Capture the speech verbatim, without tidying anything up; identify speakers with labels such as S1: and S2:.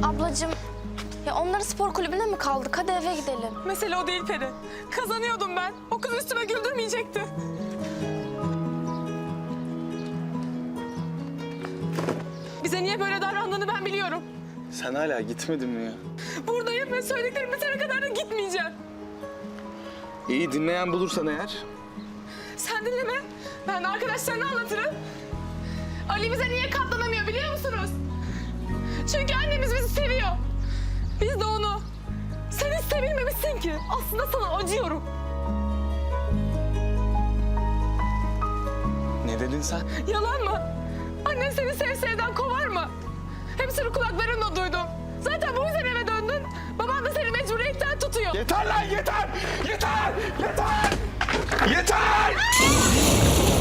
S1: Ablacığım, ya onları spor kulübüne mi kaldık? Hadi eve gidelim.
S2: Mesele o değil Peri. Kazanıyordum ben. O kız üstüme güldürmeyecekti. Bize niye böyle davrandığını ben biliyorum.
S3: Sen hala gitmedin mi ya?
S2: Buradayım ve söylediklerim bitene kadar da gitmeyeceğim.
S3: İyi, dinleyen bulursan eğer.
S2: Sen dinleme. Ben de arkadaşlarına anlatırım. Ali bize niye katlanamıyor biliyor musunuz? Çünkü annemiz bizi seviyor. Biz de onu. Sen hiç sevilmemişsin ki. Aslında sana acıyorum.
S3: Ne dedin sen?
S2: Yalan mı? Annen seni sev sevden kovar mı? Hepsini kulaklarımla duydum. Zaten bu yüzden eve döndün. Baban da seni mecburiyetten tutuyor.
S3: Yeter lan, yeter! Yeter! Yeter! Yeter!